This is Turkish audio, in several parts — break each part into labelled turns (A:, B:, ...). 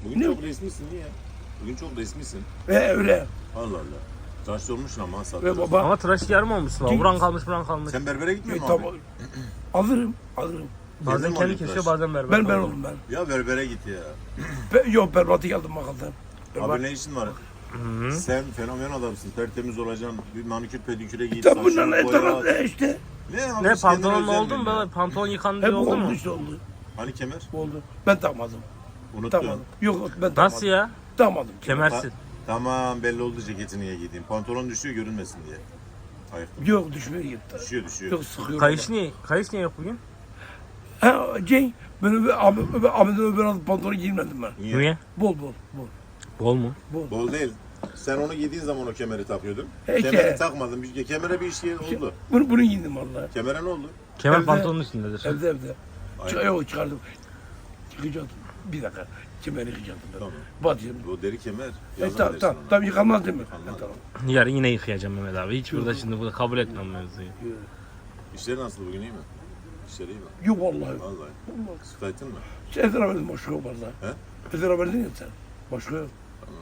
A: Bugün
B: Ne?
A: çok resmisin niye? Bugün çok resmisin.
B: Öyle.
A: Allah Allah. Tıraş olmuşsun ama saat.
B: Ve baba.
C: Ama tıraş yarım olmuş lan. Buran kalmış, buran kalmış.
A: Sen berbere gitmiyor musun
B: Tamam.
A: abi?
B: Alırım.
C: Bazen
A: Gezdin mi
C: kendi
A: orayı
C: kesiyor,
A: tıraş?
C: bazen berber.
B: Ben oldum ben.
A: Ya berbere git ya.
B: Yok berbatı geldim bakalım.
A: Abi ne işin var? Sen fenomen adamsın. Tertemiz olacaksın. Bir manikür pediküre git.
B: Tabi bunların
A: saçını boya.
B: etrafında işte.
A: Ne abi?
C: Ne
A: biz kendine
C: pantolonla
A: özel
C: oldu mu
A: miyim ya?
C: böyle? Pantolon yıkandı
B: Hep
C: diye oldu
B: oldu
C: mu?
B: işte oldu.
A: Hani kemer?
B: Oldu. Ben takmadım.
A: Unuttun.
B: Takmadım. Yok ben takmadım.
C: Nasıl ya?
B: Takmadım.
C: Kemersiz.
A: Tamam belli oldu ceketini niye giydiğin. Pantolon düşüyor görünmesin diye. Ayıktım.
B: Yok düşmüyor gitti.
A: Düşüyor.
B: Yok sıkıyorum.
C: Kayış niye yok bugün?
B: Ha Cenk. Ben Ahmet'in öbür adı pantolonu giymedim ben.
C: Niye?
B: Bol.
C: Bol mu?
A: Bol değil. Sen onu giydiğin zaman o kemeri takıyordun.
B: Peki.
A: Kemeri takmadın. Kemere bir şey oldu.
B: Bunu giydim vallahi.
A: Kemere ne oldu?
C: Kemer
B: Evde-
C: pantolonun üstündedir.
B: Evde.
A: Aynen.
B: Yok çıkardım. Çıkacaktım. Bir dakika. Kemeri yıkacaktım ben.
A: Tamam.
B: Batıyorum.
A: O deri kemer. Yazın
B: Tamam
A: dersin ona.
B: tamam yıkanmaz değil mi?
A: Yıkanmaz.
B: Tamam.
C: Yarın yine yıkayacağım Mehmet abi. Hiç burada şimdi burada kabul etmem mevzuyu.
A: İşleri nasıl bugün iyi mi? İşleri iyi mi?
B: Yok vallahi.
A: Vallahi. Sıkıntın mı?
B: Sen Ezer verdin başka yok valla.
A: He?
B: Ezer verdin ya sen. Başka yok.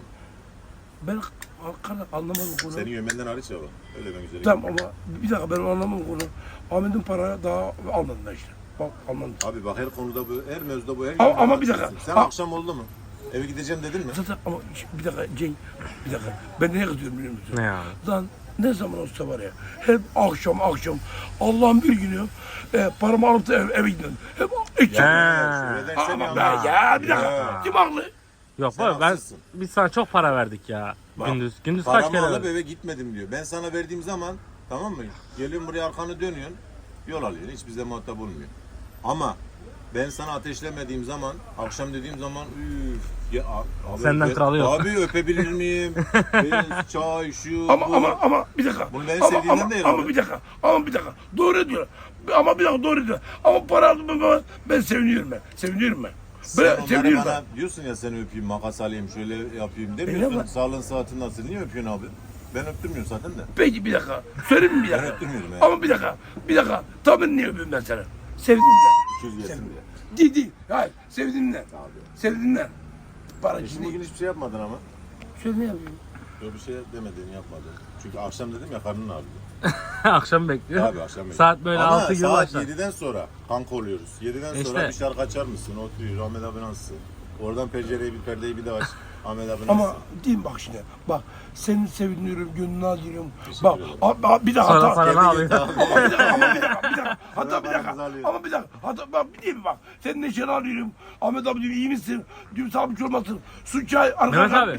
B: Ben anlamadım konu.
A: Senin yömenden hariç ya bak. Öyle ben güzel.
B: Tamam ama bir dakika ben anlamadım konu. Ahmet'in para daha almadım ben işte. Bak anladım.
A: Abi bak her konuda bu, her mevzuda bu, her
B: Ama-
A: yerde
B: ama bir dakika.
A: haklısın. Sen
B: Ha-
A: akşam oldu mu? Eve gideceğim dedin mi?
B: Zaten ama bir dakika Cenk, bir dakika. Ben neye kızıyorum biliyor musun?
C: Ne abi?
B: Lan ne zaman olsa var ya, hep akşam Allah'ın bir günü paramı alıp da eve gidiyorum. Hep içeceğim.
A: Şuradan sen
B: Ama
A: yalnız.
B: ben ya bir dakika.
A: Ya.
B: Kim haklı?
C: Yok
A: Sen
C: baba ben
A: haksızsın.
C: biz sana çok para verdik ya.
B: Bak,
C: Gündüz kaç
A: Paramı
C: kere
A: alıp
C: verdik?
A: eve gitmedim diyor. Ben sana verdiğim zaman tamam mı? Geliyorsun buraya arkanı dönüyorsun. Yol alıyorsun. Hiç bize muhatap olmuyor. Ama ben sana ateşlemediğim zaman, akşam dediğim zaman üf. Ya, abi,
C: Senden kralı yok.
A: Abi öpebilir miyim? Çay, şu, bu.
B: Ama bir dakika.
A: Bunu ben
B: Ama-
A: sevdiğimden
B: ama-
A: değil
B: Ama
A: abi.
B: bir dakika. Ama bir dakika. Doğru diyor. Ama bir dakika doğru diyor. Ama para aldım ben seviniyorum ben. Seviniyorum ben.
A: Sen
B: Ben
A: onları
B: seviniyorum
A: bana
B: ben.
A: diyorsun ya seni öpeyim, makas alayım, şöyle yapayım
B: Öyle
A: demiyorsun.
B: mi?
A: Sağlığın saatin nasıl? Niye öpüyorsun abi? Ben öptürmüyorum zaten de.
B: Peki bir dakika. Söyleyeyim mi bir dakika?
A: Ben öptürmüyorum yani.
B: Ama bir dakika. Bir dakika. Tabii niye öpeyim ben sana? Sevdiğimden.
A: 200 gelsin
B: Sevdim.
A: diye.
B: Değil. Hayır. Sevdiğimden.
A: Abi.
B: Sevdiğimden. Para
A: Şimdi
B: için
A: bugün
B: değil.
A: hiçbir şey yapmadın ama.
B: Şöyle ne yapayım?
A: Böyle bir şey demedin, yapmadın. Çünkü akşam dedim ya karnın ağrıyor.
C: Akşam bekliyor.
A: Abi akşam yedim.
C: Saat böyle
A: Ama
C: 6 gibi
A: saat
C: başlar.
A: 7'den sonra kanka oluyoruz. 7'den sonra
C: İşte.
A: bir şarkı açar mısın? Oturuyor. Ahmet abi nasılsın? Oradan pencereyi bir perdeyi bir de aç. Ahmet abi nasılsın?
B: Ama diyeyim bak şimdi. Bak seni seviniyorum, gönlünü alıyorum.
A: Teşekkür
B: Bak
A: ederim.
B: bir daha
C: Sonra
B: hata.
C: paranı
A: Kendi
C: alıyor.
A: gitti abi.
B: Ama bir dakika. Hatta bir
A: paramızı
B: dakika.
A: alıyor.
B: Ama bir dakika. Hatta bak bir diyeyim bak. Senin neşeni alıyorum. Ahmet abi diyor iyi misin? Diyorum sağlık olmasın. Su çay
C: Mehmet
B: arka
C: abi.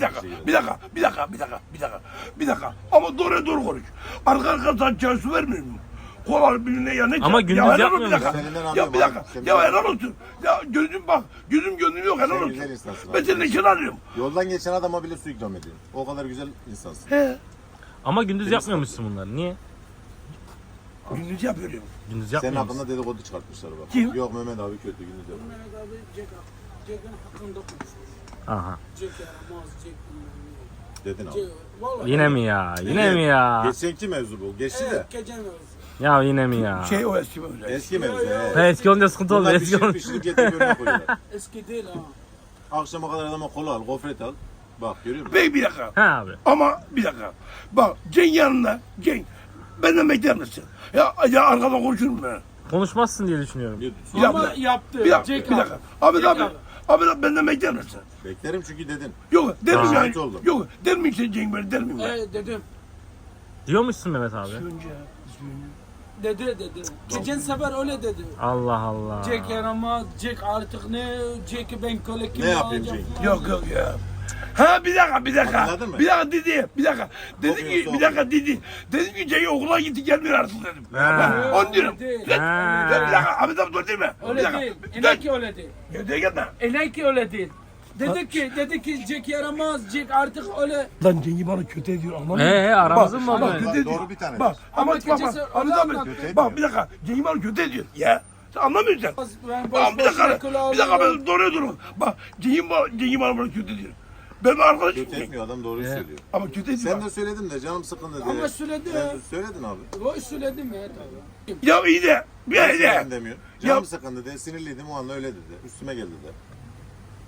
B: bir dakika. Ama doğru konuş. Arka sen çay su vermiyor mu? Kola bilmem ya ne
C: Ama
B: çay?
C: gündüz
B: Ya helal
C: yapmıyor
B: olsun, bir dakika.
A: musun? Seninden
B: Ya
A: alıyorum
B: bir
A: abi.
B: dakika.
A: Seninden
B: Ya helal olsun. Ya gözüm bak. Gözüm gönlüm yok helal
A: Sen
B: olsun.
A: güzel insansın
B: Ben
A: abi.
B: senin neşeni alıyorum.
A: Yoldan geçen adama bile su ikram ediyorsun. O kadar güzel insansın.
B: He.
C: Ama gündüz yapmıyormuşsun bunları. Niye?
B: Gündüz yapıyorum.
C: Gündüz
A: Senin
C: yapmıyor musun?
A: hakkında dedikodu çıkartmışlar bak.
B: Kim?
A: Yok Mehmet abi kötü gündüz yapıyor.
D: Mehmet abi Jack'ın hakkında konuşuyor.
C: Aha.
D: Jack yaramaz, Jack bilmem
A: Dedin
D: ne.
A: abi.
D: Vallahi.
C: Yine mi ya? Yine mi ya?
A: Geçenki mevzu bu. Geçti de.
D: Evet, gece mevzu.
C: Ya yine mi ya?
B: Şey o eski böyle.
A: Eski mevzu.
D: Ya.
A: he.
C: Eski olunca sıkıntı oldu.
A: Bunlar
C: Eski
A: pişirip
C: olunca.
A: pişirip getirip önüne koyuyorlar.
D: Eski değil ha.
A: Akşama kadar adama kola al, gofret al. Bak görüyor musun?
B: Bey bir dakika.
C: Ha abi.
B: Ama bir dakika. Bak Cenk yanında. Cenk. Benden bekler misin? Ya arkadan konuşurum ben.
C: Konuşmazsın diye düşünüyorum.
B: Bir
D: Ama
B: dakika.
D: yaptı.
B: Bir dakika.
D: Jack
B: Bir dakika. Abi
D: Jack
B: abi. Abi benden bekler misin?
A: Beklerim çünkü dedin.
B: Yok der miyim
A: Şahit
B: yani?
A: oldum.
B: Yok der miyim sen Cenk böyle der miyim ben?
D: Dedim.
C: Diyormuşsun Mehmet abi.
D: Dedi. Geçen sefer öyle dedi.
C: Allah Allah.
D: Jack yaramaz, Jack artık ne? Jack'i ben köle kimi
A: Ne yapayım
D: alacağım
A: Jack?
D: falan.
B: Yok ya. Ha bir dakika.
A: Hatırladın mı?
B: Bir dakika dedi. Bir dakika. Dedi ki
A: Okuyorsa
B: bir dakika dedi. Dedim ki Cenk okula gitti gelmiyor artık dedim.
C: Ha.
B: Ben onu diyorum.
D: Değil.
C: Ha.
B: Bir dakika. Abi tam dur değil mi? Bir
D: Öyle
B: dakika.
D: değil.
B: Bir
D: İnan
B: dakika.
D: ki öyle değil.
B: Gel gelme.
D: İnan ki öyle değil. Dedi ki Jack yaramaz, Jack artık öyle.
B: Lan Cengi bana kötü ediyor anladın mı?
C: aramızın mı
B: Bak,
C: oldu?
B: kötü
A: Bak,
B: ediyor.
A: doğru bir tane
B: Bak
D: Ama
B: ama bak
D: keçesi
B: Ahmet
D: öyle
B: abi.
D: anlattı.
B: Bak bir dakika Cengi bana kötü ediyor. Ya. Sen anlamıyorsun sen.
D: Ben
B: Bak bir dakika.
D: köle
B: Bir dakika
D: alıyorum.
B: ben doğruya durun. Bak Cengi bana kötü ediyor. Ben arkadaşım.
A: Kötü etmiyor adam doğruyu söylüyor.
B: Ama kötü ediyor.
A: Sen de söyledin de canım sıkıldı diye.
D: Ama söyledi
A: Sen
D: ya.
A: de söyledin abi.
D: O söyledim ya tabii.
B: Ya iyi de. Bir iyi
A: Sen
B: de.
A: demiyor.
B: Ya-
A: Canım sıkıldı de sinirliydim o anda öyle dedi. Üstüme geldi de.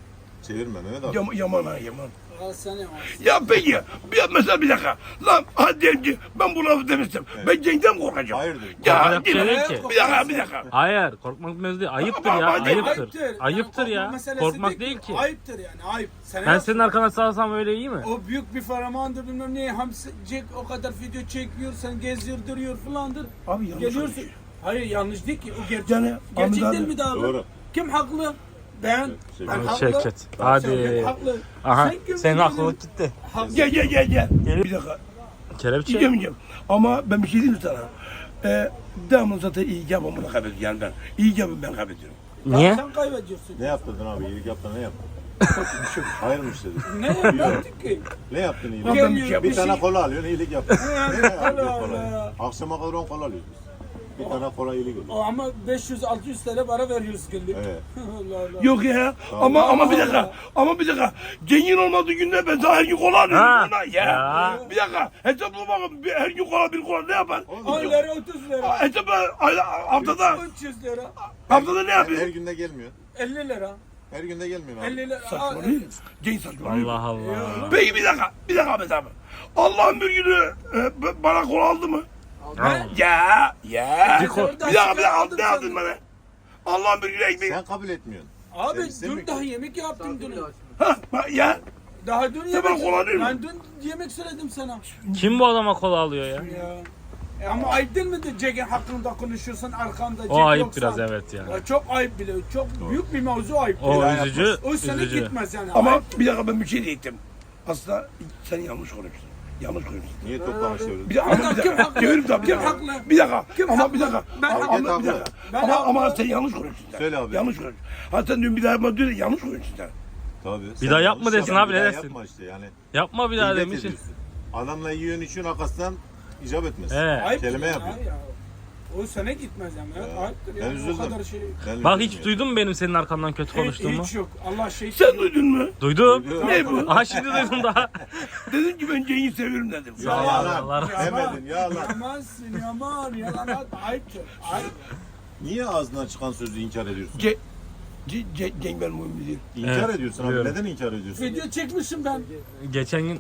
A: Çevirme Mehmet abi.
B: Yaman ha yaman.
D: Al sana ya.
B: Ya peki mesela bir dakika. Lan hadi diyelim ki ben bu lafı demiştim. Ben Cenk'ten korkacağım.
A: Hayırdır?
B: Ya
C: Korkacak şey değil ki.
B: bir dakika.
C: Hayır, korkmak mevzu değil. Ayıptır
B: Ama
C: ya,
B: bence
C: ayıptır. Ayıptır
D: Yani
C: ya.
D: korkma meselesi
C: Korkmak değil ki.
D: Ayıptır yani ayıp. Sen
C: Ben senin arkana sağlasam öyle iyi mi?
D: O büyük bir faramandır bilmem ne hamsi Jack o kadar video çekiyor sen geziyor duruyor falandır.
B: Abi yanlış
D: Geliyorsun.
B: konuşuyor.
D: Hayır yanlış değil ki o gerçek.
B: Yani
D: Gerçek
B: Ahmet
D: değil
B: abi-
D: mi daha?
A: Doğru.
D: Kim haklı? Ben.
A: Şevket.
D: Ben haklı.
C: Şevket.
D: Şevket
C: Hadi.
D: haklı.
C: Aha,
D: Sen kim
C: senin
D: benim?
C: aklılık gitti.
D: Haklı.
B: Gel. Bir dakika.
C: Kelepçe.
B: Yiyeceğim. Ama ben bir şey diyeyim mi sana? Devamlı zaten iyi yapımı da kaybediyorum yani ben. İyi yapımı ben kaybediyorum.
C: Niye?
D: Sen kaybediyorsun.
A: Ne yaptırdın abi? İyilik yaptın ne yaptın? Hayır mı işte?
D: Ne yaptık ki?
A: Ne yaptın iyilik?
B: Lan ben bir şey
A: Bir
B: yapayım.
A: tane kola alıyorsun iyilik yaptın. Ne yapıyorsun
D: Allah
A: kolayı?
D: Allah.
A: Akşama kadar 10 kola alıyoruz biz. Bir tane kola iyilik oluyor.
D: O ama 500-600 TL para veriyoruz günlük.
A: Evet.
D: Allah Allah.
B: Yok ya. Ama bir dakika. Ama bir dakika. Cenk'in olmadığı günde ben sana her gün kola alıyorum
C: Ha.
B: ona ya.
C: Ya.
B: Bir dakika. Hesapla bakın. Her gün kola bir kola ne yapar?
D: 10 lira 30 lira.
B: Hesapla haftada.
D: 300 lira.
B: Haftada ne
A: Her
B: yapıyor?
A: günde gelmiyor.
D: 50 lira.
A: Her günde gelmiyor abi.
D: 50 lira.
B: Saçmalıyor. Cenk saçmalıyor.
C: Allah Allah.
B: Peki bir dakika Ahmet abi. Allah'ın bir günü bana kola aldı mı?
C: Al.
B: Ya.
C: Bir kol.
B: Bir dakika ne aldın bana? Allah'ın bir günü ekmek.
A: Sen kabul etmiyorsun.
D: Abi
A: Sen istemiyor
D: dün
A: ki.
D: daha yemek yaptım dün.
B: Ha bak ya.
D: Daha dün
B: bana
D: yemek.
B: kola değil mi?
D: Ben dün yemek söyledim sana.
C: Kim bu adama kola alıyor ya?
D: Ya. Ama ayıp değil mi de Jack'in hakkında konuşuyorsun arkamda Jack
C: O ayıp
D: yoksa?
C: biraz evet ya.
D: Ya çok ayıp bile. Çok büyük bir mevzu ayıp.
C: O
D: bile.
C: üzücü,
D: O sene
C: üzücü.
D: gitmez yani.
B: Ama
D: Ayıp.
B: bir dakika ben bir şey diyecektim. Aslında sen yanlış konuştun. Yanlış konuştun.
A: Niye toplamışıyoruz?
B: Bir dakika,
D: Adam kim haklı?
B: Çevirim tabii.
D: Kim haklı?
B: Bir dakika.
D: Kim
B: ama
D: haklı?
B: bir dakika.
D: Ben
B: ama,
A: haklı.
B: ama bir dakika.
D: Ben
B: ama
D: haklı.
B: sen yanlış konuştun sen.
A: Söyle abi.
B: Yanlış konuştun. Ha sen dün bir daha yapma diyor ya, yanlış konuştun sen.
A: Tabii.
C: Bir daha yapma
A: yanlış
C: desin
A: yapma,
C: abi,
A: bir
C: ne
A: daha
C: desin?
A: Yapma işte yani.
C: Yapma bir daha
A: Gıybet
C: demiş.
A: ediyorsun. Adamla yiyorsun içiyorsun arkasından icap etmez.
C: Evet.
D: Ayıp
A: Kelime
D: yani
A: yapıyor.
D: ya. O sene gitmez yani.
A: Ya.
D: Ayıptır
A: Ben
D: yani. O
A: üzüldüm.
D: kadar şey.
A: Ben
C: Bak
A: üzüldüm
C: hiç duydun mu benim senin arkandan kötü konuştuğumu?
D: Hiç yok. Allah şey.
B: Sen duydun mu?
C: Duydum.
A: Duydum.
B: Ne bu?
C: Aha şimdi duydum daha.
B: Dedin ki ben Cenk'i seviyorum dedim.
A: Ya
C: Allah
A: yalan.
C: Allah.
A: Demedin ya lan.
D: Yamansın yaman. Yalan ayıptır. Ayıp.
A: Niye ağzından çıkan sözü inkar ediyorsun?
B: Cenk benim mühim değil.
A: İnkar
C: Evet,
A: ediyorsun abi.
C: biliyorum.
A: Neden inkar ediyorsun?
D: Video çekmişim ben.
C: Geçen gün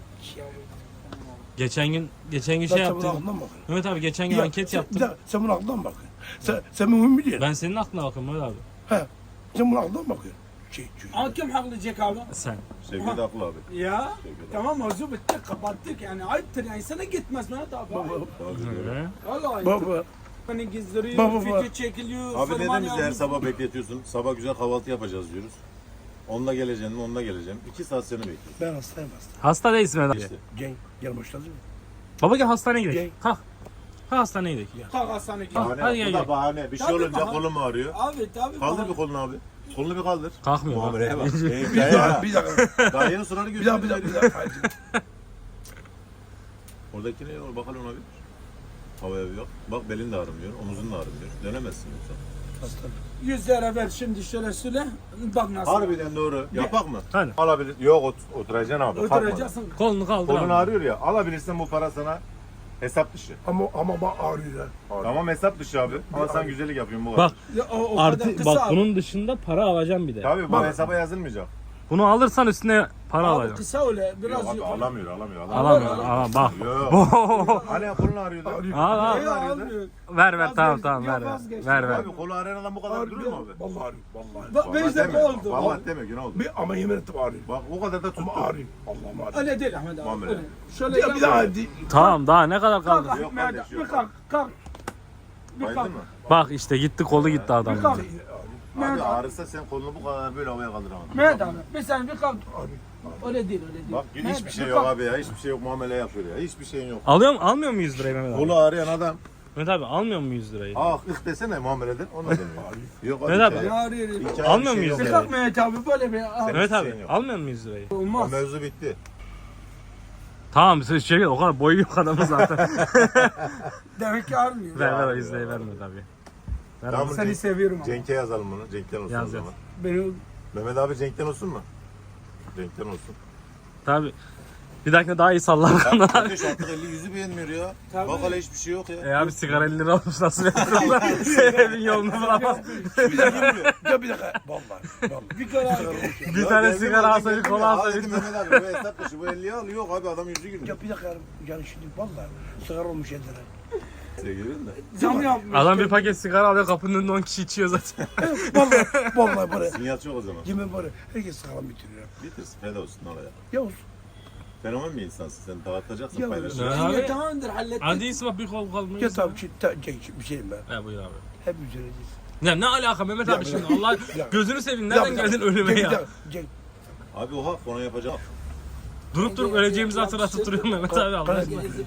C: şey
B: Sen bunun
C: yaptım.
B: aklından bakın.
C: Mehmet abi geçen gün
B: Ya,
C: anket
B: sen-
C: yaptım.
B: bir dakika, sen bunun aklından bakın. Sen mühim değil.
C: Ben senin aklına bakıyorum Mehmet abi.
B: He. Sen bunun aklından bakıyorsun.
D: Ama kim haklı Jack abi?
C: Sen.
A: Şevket haklı abi.
D: Ya tamam mevzu bitti kapattık yani ayıptır yani sana gitmez Mehmet abi.
A: Tabii, doğru.
C: Hı.
D: Vallahi ayıp.
B: Baba.
D: Beni gizdiriyor,
B: Baba.
D: video çekiliyor.
A: Abi
D: fırman
A: neden bizi her
D: yapıyor.
A: sabah bekletiyorsun? Sabah güzel kahvaltı yapacağız diyoruz. Onunla geleceğim mi? Onunla geleceğim. 2 saat seni bekliyorum.
B: Ben hastayım hasta.
C: Hasta değilsin Mehmet abi.
A: İşte.
B: Cenk gel başladın mı?
C: Baba gel hastaneye gidelim.
B: Gel.
C: Kalk. Kalk hastaneye gidelim.
D: Kalk hastaneye git.
C: Hadi
A: Bahane,
C: gel,
A: bu da
C: gel.
A: bahane. Bir şey
D: Tabii
A: olunca
D: bahane.
A: kolum ağrıyor.
D: Abi tabii.
A: Kaldır
D: bana-
A: bir kolunu abi. Kolunu bir kaldır.
C: Kalkmıyor.
A: Muameleye bak.
B: Bir dakika, bir dakika.
A: Daha yeni suları
B: Bir dakika, bir dakika, bir
A: götürdüm.
B: dakika.
A: Oradaki ne var? Bakalım ona bir. Havaya bir bak. Bak belin de ağrımıyor. Omuzun da ağrımıyor. Dönemezsin yoksa.
B: Hasta.
D: 100 lira ver şimdi şöyle söyle. Bak nasıl.
A: Harbiden doğru. Yapak mı?
C: Hadi.
A: Alabilir. Yok oturacaksın abi. Kalkma.
D: Oturacaksın.
C: Kolunu kaldır
A: Kolun
C: abi.
A: ağrıyor ya. Alabilirsen bu para sana hesap dışı.
B: Ama bak ağrıyor ha.
A: Tamam hesap dışı abi. Ama sen güzellik yapıyorsun bu kadar.
C: Bak
D: Ya, o kadar
C: artı
D: kısa
C: bak
D: abi.
C: bunun dışında para alacağım bir de.
A: Tabii bu
B: Bak.
A: hesaba yazılmayacak.
C: Bunu alırsan üstüne para
D: Abi
C: alacağım.
D: kısa öyle biraz.
A: Yok abi
D: yukarı.
A: alamıyor.
C: Alamıyorum. Alamam bak.
A: Yok. Hani kolun ağrıyordu.
C: Al al.
D: Ya, almıyor.
C: Ver tamam
D: Vazgeç,
C: tamam
D: ya
C: ver ver.
D: vazgeç.
C: Ver ver.
A: Abi kolu ağrıyan adam bu kadar durur mu abi?
B: Vallahi ağrıyor. Vallahi.
D: Bak 5 dakika
A: deme.
D: oldu.
A: Vallahi deme gün oldu.
B: Ama yemin ettim ağrıyor.
A: Bak o kadar da tuttu.
B: Ama ağrıyor. Allah'ım ağrıyor.
D: Öyle değil Ahmet abi.
A: Muamele.
D: öyle. Şöyle
B: Ya bir daha hadi.
C: Tamam daha ne kadar
D: Kalk
C: kaldı?
A: Yok
D: Ahmet
A: kardeş,
D: abi.
A: yok.
D: Bir kalk. Kalk. Bir
A: Baydın
D: kalk.
A: mı?
C: Bak işte gitti kolu gitti
D: Bir
C: adamın.
D: kalk.
A: Abi
D: Mehmet abi.
A: ağrısa sen kolunu bu kadar böyle havaya kaldıramadın.
D: Mehmet abi. Bir saniye bir kalk.
B: Ağrıyor.
D: Öyle değil öyle değil.
A: Bak
D: Mehmet
A: hiçbir
D: abi,
A: şey
D: bir
A: yok
D: kalk.
A: abi ya. Hiçbir şey yok muamele yapıyor ya. Hiçbir şeyin yok.
C: Almıyor mu 100 lirayı Mehmet abi?
A: Kolu ağrıyan adam
C: Mehmet abi almıyor mu 100 lirayı?
A: ah ıh desene muameleden onu demiyor. Yok abi.
C: Mehmet abi.
A: hikaye-
D: Ya arıyor.
A: hikaye
C: Almıyor
A: bir şey
C: muyuz
A: yok.
D: Bir
C: ya?
D: kalk Mehmet abi böyle bir.
C: Mehmet
A: hiçbir
C: abi
A: şeyin yok.
C: almıyor mu 100 lirayı?
A: O
D: Olmaz.
A: mevzu bitti.
C: Tamam şey o kadar boyu yok adamın zaten.
D: Demek ki armıyor.
C: ver o 100 lirayı verme tabii. Ver
A: Tamam.
C: abi.
D: Seni seviyorum ama.
A: Cenk'e yazalım bunu. Cenk'ten olsun
C: Yaz,
A: o zaman.
D: Beni
A: Mehmet abi Cenk'ten olsun mu? Cenk'ten olsun.
C: Tabii. Bir dahakine daha iyi sallar kanal.
A: Kardeş artık 50 yüzü beğenmiyor ya.
D: Tabii.
A: Bak hala hiçbir şey yok ya.
C: Abi sigara 50 lira olmuş nasıl yapıyorlar? Evin yolunu bulamaz.
B: Bir dakika. Ya bir dakika. Vallahi.
D: Bir karar.
C: Bir
A: Ya
C: tane
A: geldim
C: sigara
A: aldım,
C: alsaydı
A: geldim
C: kola
A: ya.
C: alsaydı.
A: Dedim Mehmet abi bu hesap dışı bu 50'yi al. Yok abi adam yüzü gülmüyor.
B: Ya bir dakika. Yani şimdi vallahi sigara olmuş ellere.
A: Sevgilim de.
D: Zam yapmış.
C: Adam bir paket sigara alıyor kapının önünde 10 kişi içiyor zaten.
B: Vallahi böyle.
A: Sinyal çok o zaman.
B: Yemin böyle. Herkes sigara bitiriyor.
A: Bitirsin feda olsun ne olacak.
B: Ya olsun.
A: Fenomen bir insansın sen dağıtacaksın
B: Ya,
A: paylaşacaksın.
C: Ne abi?
D: Ya tamamdır hallettik.
C: Hadi iyisi bak bir kol kalmıyor.
B: Ya tamam bir şeyim ben.
C: He buyur abi.
B: Hep üzereceğiz.
C: Ne alaka Mehmet abi şimdi Allah gözünü seveyim nereden geldin ölüme ya?
A: Abi oha ona yapacak.
C: Durup öleceğimizi hatırlatıp duruyor Mehmet abi Allah aşkına.
A: Ne ya?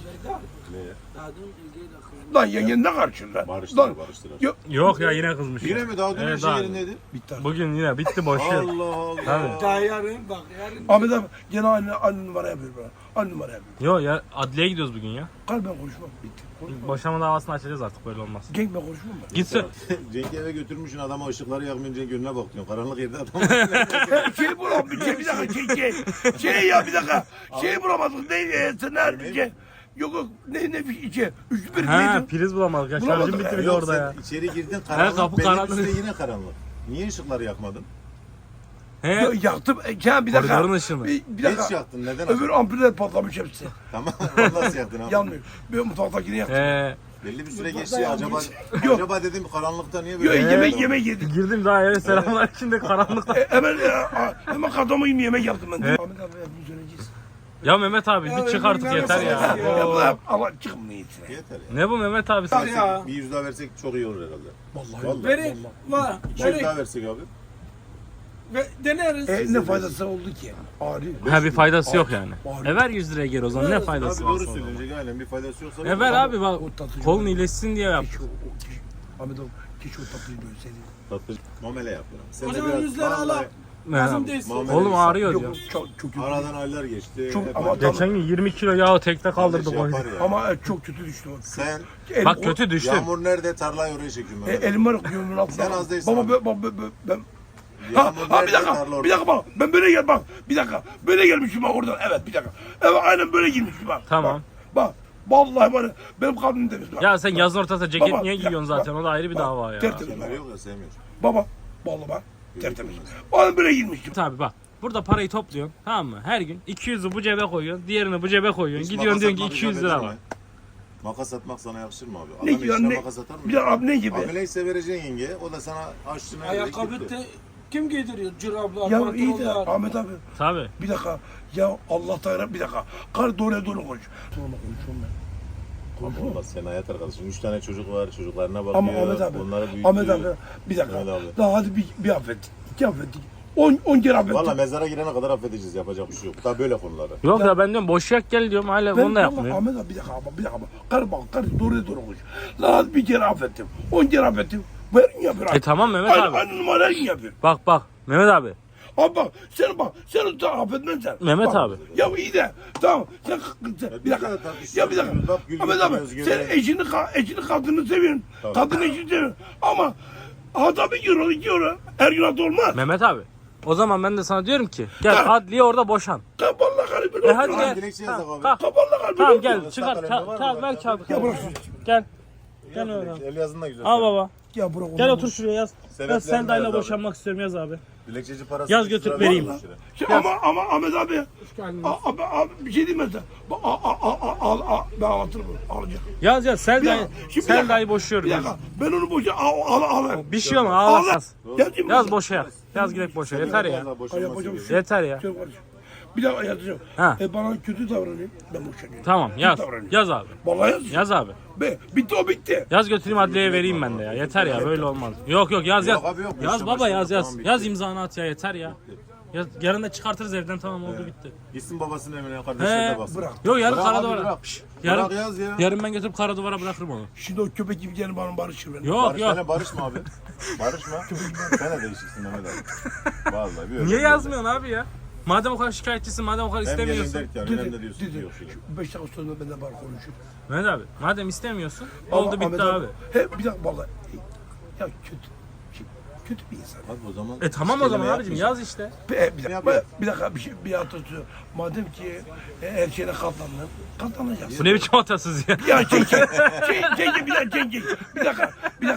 B: Lan yengen ne karşın lan?
A: Barıştılar barıştılar.
B: Yok.
C: Yok ya yine kızmış.
A: Yine mi daha dün her
C: Evet,
A: şey
C: daha.
A: yerindeydi?
B: Bitti artık.
C: Bugün yine bitti boş ver.
A: Allah Allah.
C: Tabii.
D: Daha yarın bak yarın.
B: Ahmet abi gene aynı numara yapıyor bana. Aynı numara yapıyor.
C: Yo ya adliyeye gidiyoruz bugün ya.
B: Kalben konuşmam. Bitti. Konuşmam.
C: Boşanma davasını açacağız artık böyle olmaz.
B: Genk ben konuşmam ben.
C: Gitsin.
A: Cenk'i eve götürmüşsün adama ışıkları yakmayınca önüne bak diyorsun. Karanlık yerde adam.
B: Şey bulam bir dakika şey ya bir dakika. Şey bulamadık ne sen nerede şey. Yok ne bir şey. Üç bir
C: He
B: neydi?
C: priz bulamadık ya
B: Bulamadık
C: şarjım
B: ya.
C: bitirdi
A: Yok
C: orada ya.
A: sen içeri girdin karanlık.
C: kapı
A: belli
C: karanlık.
A: bir süre yine karanlık. Niye ışıkları yakmadın?
C: He
B: Yaktım. Ya bir dakika.
C: koridorun ışığını.
B: Bir
A: Geç
B: dakika.
A: yaktın neden?
B: Öbür ampuller patlamış hepsi.
A: Tamam nasıl yaktın abi?
B: Yanmıyor. Bir mutfaktakini yaktım.
C: He
A: Belli bir süre geçti ya acaba
B: Yok.
A: acaba dedim karanlıkta niye
B: Yok
A: böyle?
B: yemek yedik.
C: girdim daha eve selamlar içinde karanlık.
B: Hemen kadama yiyeyim yemek yaptım ben. Ahmet abi hep üzüleceğiz.
C: Ya Mehmet abi
D: Ya
C: bir çık artık
D: öyle
C: yeter ya.
D: yapamaz ya.
B: Ya
C: Oo.
B: Allah çıkın niyetine.
A: Yeter ya.
C: Ne bu Mehmet abi sen?
D: Ya.
A: Bir 100 daha versek çok iyi olur herhalde.
B: Vallahi.
A: Vallahi.
D: Verek var.
A: 200 daha versek abi.
D: Ve deneriz.
B: Ne faydası oldu ki? Ağrıyor.
C: Ha bir faydası yok yani.
B: Var.
C: Ver 100 liraya geri o zaman ne
A: Abi
C: faydası var
A: doğru
C: sonra?
A: söyleyecek aynen bir faydası yoksa.
C: Ver abi bak
B: O tatıcı
C: kolun
B: var.
C: iyileşsin diye yap.
B: Keşke Ahmet abi keşke o tatlıyı bölseydi.
A: Tatlı muamele yap. Sen
D: O
A: de
D: zaman
A: biraz
D: 100 lira
A: vallahi
D: al. Lazım değilsin.
A: Muamele
C: Oğlum
A: insan.
C: ağrıyor
B: Yok
C: diyor.
B: çok kötü.
A: Aradan aylar geçti.
B: Çok-
A: hep
B: ama
A: aynı.
C: Geçen gün 20 kilo yağı tekte kaldırdık
A: Kardeş
C: o
A: yapar ya.
B: Ama çok kötü düştü o.
A: Sen
C: Bak kötü düştüm.
A: yağmur nerede tarlayı oraya çekiyorum ben.
B: Elim var yolun altında.
A: Sen az değilsin
B: Baba
A: abi.
B: ben
A: Yağmur
B: bir
A: nerede
B: dakika,
A: tarla orada.
B: bir dakika bak. Ben böyle gel bak. Bir dakika. Böyle gelmişim bak oradan. Evet bir dakika. Evet aynen böyle girmişim bak.
C: Tamam.
B: Bak. Vallahi var ya, benim kalbim temiz bak.
C: Ya sen yazın ortasında ceket
B: Baba,
C: niye
B: ya,
C: giyiyorsun zaten? O da ayrı bir
B: bak,
C: dava ya.
B: tertemiz.
A: Kemer yok ya sevmiyor.
B: Baba. Vallahi bak. Tertemiz. Aynen böyle girmişim.
C: Tabi bak. Burada parayı topluyorsun tamam mı? Her gün 200'ü bu cebe koyuyorsun, diğerini bu cebe koyuyorsun.
A: Hiç
C: Gidiyorsun
A: makas
C: diyorsun ki
A: atmak
C: 200
A: icap
C: lira
A: eder
C: var.
A: mi? Makas atmak sana yakışır mı abi?
B: Ne
A: Adam
B: diyor
A: eşine
B: ne?
A: makas atar mı?
B: Bir dakika abi ne gibi?
A: Abi neyse vereceksin yenge. O da sana aşçına
D: Ayakkabı kim giydiriyor? Cırablar,
B: Ya iyi de
D: pantolonlar.
B: Ahmet abi.
C: Tabi.
B: Bir dakika. Ya Allah Teala bir dakika. Kar doğru konuş. Sonra konuşuyorum ben.
A: Abi olmaz sen hayat arkadaşın. 3 tane çocuk var. Çocuklarına bakıyor.
B: Ama Ahmet abi.
A: Onları büyütüyor.
B: Ahmet abi bir dakika.
A: Ahmet abi.
B: Daha hadi bir affettik. 2 affettik. 10 kere affettik.
A: Valla mezara girene kadar affedeceğiz. Yapacak bir şey yok. Daha böyle konuları.
C: Yok ya ben diyorum boş yak gel diyorum hala bunu da yapmıyor.
B: Ahmet abi bir dakika bak. Kar doğru konuş. Daha bir kere affettim. 10 kere affettim. Verin yapıyor.
C: Tamam Mehmet
B: Aynı,
C: abi.
B: aynı numarayı yapıyor.
C: Bak Mehmet abi.
B: Abi bak sen da affetmezsen.
C: Mehmet
B: Bak,
C: abi.
B: Ya iyi de tamam sen bir dakika.
A: kadar tartışıyoruz.
B: Ya bir dakika.
A: Bak, gül
B: Ahmet abi
A: getiriyoruz,
B: sen
A: gül.
B: eşini kadını seviyorsun.
A: Tabii.
B: Kadını eşini seviyorsun. Ama hata 1 euro 2 euro her gün hata olmaz.
C: Mehmet abi. O zaman ben de sana diyorum ki gel
B: Ha.
C: adliye orada boşan.
B: Kapalı kalbini.
C: Hadi
A: Tamam,
C: gel.
A: dilekçe
C: Tamam,
A: yazak abi.
C: kalk.
B: Kapalı kalbini.
C: Tamam gel
A: Islak
C: çıkar
A: kalemde var mı?
C: kağıt ver kağıdı.
B: Ya bırak şunu.
C: Gel. Gel Mehmet abi.
A: El yazın da güzel.
C: Al baba.
B: Ya bırak onu.
C: Gel otur şuraya yaz.
A: Sebeplerini
C: Yaz Selda'yla
A: yaz abi.
C: boşanmak istiyorum yaz abi.
A: Dilekçeci parası.
C: Yaz
A: 100
C: götür,
A: lira
C: vereyim.
A: vermiş lira.
B: Ama Ahmet abi. Abi bir şey diyeyim mi sen? Ben anlatırım. Alacağım.
C: Yaz
B: Bir
C: Selda'yı
B: dakika, şimdi bir
C: Selda'yı
B: dakika,
C: boşuyorum.
B: Bir
C: Yaz.
B: dakika. Ben onu boşa al.
C: Bir şey olmaz ağla yaz.
B: Yazayım
C: Yaz
B: mı?
C: boşa yaz. Yaz girek boşa yeter ya.
A: Vallahi boşanması
B: Yapacağım
A: gerekiyor.
B: şey.
C: Yeter ya.
B: Şöyle kardeşim. Bir daha yazacağım.
C: Ha.
B: Bana kötü davranayım. Ben boşanıyorum.
C: Tamam yaz.
B: Kötü davranayım.
C: Yaz abi.
B: Vallahi yaz.
C: Yaz abi.
B: Bitti o bitti.
C: Yaz götüreyim adliyeye vereyim ben de ya. Yeter ya böyle olmaz. Yok yaz yaz.
A: Yok abi, yok.
C: Yaz
A: Boşuna
C: baba yaz yaz.
A: tamam, bitti.
C: Yaz imzanı at ya yeter ya. Yarın da çıkartırız evden tamam oldu bitti.
A: Gitsin babasının evine kardeşlerine
C: He.
A: baksın.
B: Bırak.
C: Yok yarın
A: Bırak
C: kara
A: abi,
C: duvara.
A: bırak.
C: Yarın,
A: Bırak yaz ya.
C: yarın ben götürüp kara duvara bırakırım onu.
B: Şimdi o köpek gibi gelin bana barışır beni.
C: Yok
A: Barış,
C: yok.
A: Sen barışma abi. Barışma. Sen de değişiksin Mehmet abi. Vallahi bir
C: Niye
A: öyle
C: yazmıyorsun abi ya? Madem o kadar şikayetçisin, madem o kadar
A: Hem gelin
C: istemiyorsun.
A: derken önemli diyorsun. Yok şey.
B: 5 dakika sonra benden bana konuşur.
C: Mehmet abi, madem istemiyorsun,
B: Ama
C: oldu bitti
B: Ahmet
C: abi.
B: He bir dakika vallahi. Ya kötü. kötü bir insan.
A: Abi o zaman
C: Tamam o zaman
A: kelime
C: abicim
A: yapmayacağım.
C: yaz işte.
B: Bir dakika bir atasözü. Madem ki her şeyine katlandın, katlanacaksın.
C: Bu ne biçim atasız ya?
B: Ya çek bir dakika.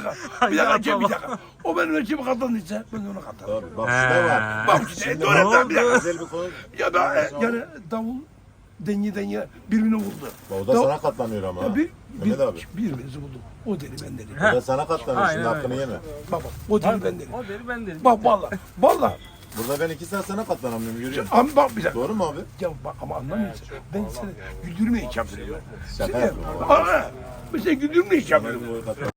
B: O benim ölçüme katlandıysa ben de ona katlanırım.
A: Tabii bak şu da var.
B: Bak işte
A: Şimdi
B: doğru
A: bak,
B: bir dakika.
A: güzel bir konu.
B: Ya da yani davul denye birbirine vurdu.
A: O da sana katlanıyor ama. ha. Mehmet abi.
B: Birbirimizi bulduk. O deli ben deli.
A: O da sana katlanıyor. Şimdi
C: Aynen
A: hakkını yeme.
B: Baba o deli ben deli.
C: O deli ben dedim.
B: Bak valla.
A: Burada ben 2 saat sana katlanamıyorum görüyor musun?
B: Ama bak bir dakika.
A: Doğru mu abi?
B: Ya bak ama anlamıyorsun. Ben seni güldürmeye çalışıyorum.
A: Şaka
B: Seni-
A: yapıyorum.
B: Aa, ben seni güldürmeye çalışıyorum.
A: Boyu katlan-